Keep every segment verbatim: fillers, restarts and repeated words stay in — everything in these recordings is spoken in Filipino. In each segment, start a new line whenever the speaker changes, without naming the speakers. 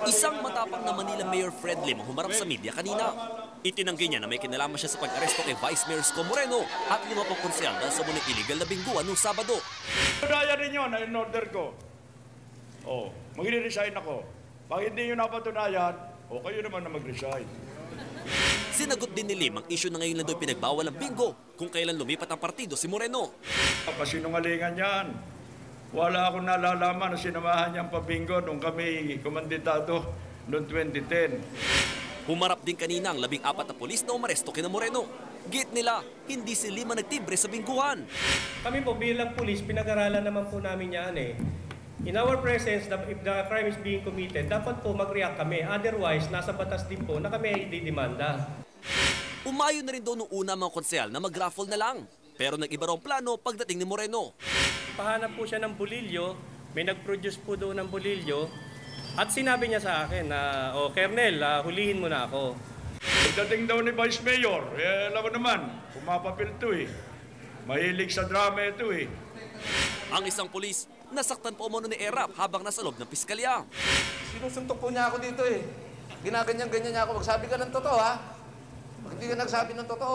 Isang matapang na Manila Mayor Fred Lim ang humarap sa media kanina. Itinanggi niya na may kinalaman siya sa pag-aresto kay Vice Mayor Isko Moreno at lima pang konsehal dahil sa munang illegal na bingguan noong Sabado.
Patunayan ninyo na in-order ko. Oh, magre-resign ako. Pag hindi nyo napatunayan, o kayo naman na mag-resign.
Sinagot din ni Lim ang issue na ngayon lang daw pinagbawal ang bingo kung kailan lumipat ang partido si Moreno.
Kasinungalingan yan. Wala akong nalalaman na sinamahan niyang pabingo nung kami kumandidado noong twenty ten.
Humarap din kanina ang labing apat na polis na umaresto kina Moreno. Git nila, hindi si Lim ang nagtibre sa bingguhan.
Kami po bilang pulis, pinag-aralan naman po namin yan eh. In our presence, if the crime is being committed, dapat po mag-react kami. Otherwise, nasa batas din po na kami ay didemanda.
Umayo na rin daw nung una mga konsehal na mag-raffle na lang. Pero nag-iba raw ang plano pagdating ni Moreno.
Pahanap po siya ng bolilyo, may nag-produce po doon ng bolilyo, at sinabi niya sa akin na, oh, Kernel, uh, hulihin mo na ako.
Pagdating daw ni Vice Mayor, eh, alam mo naman, pumapapil ito eh. Mahilig sa drama ito eh.
Ang isang pulis, nasaktan po umano ni Erap habang nasa loob ng piskalya.
Sinusuntok po niya ako dito eh. Ginaganyan-ganyan niya ako. Magsabi ka ng totoo ha. Pag hindi ka nagsabi ng totoo,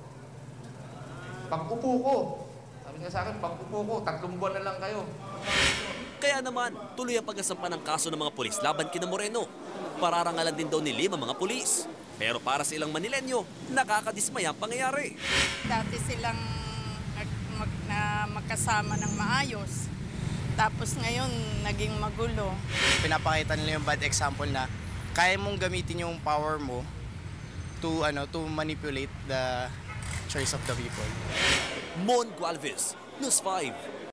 pag-upo ko. Sabi niya sa akin, pag-upo ko, tatlong buwan na lang kayo.
Kaya naman, tuloy ang pagkasampa ng kaso ng mga pulis laban kina Moreno. Pararangalan din daw ni Lim ang mga pulis. Pero para sa ilang Manilenyo, nakakadismaya ang pangyayari.
Dati silang mag, na magkasama ng maayos. Tapos ngayon, naging magulo.
Pinapakita nila yung bad example na kaya mong gamitin yung power mo to ano to manipulate the choice of the people.
Mon Gualvez, News five.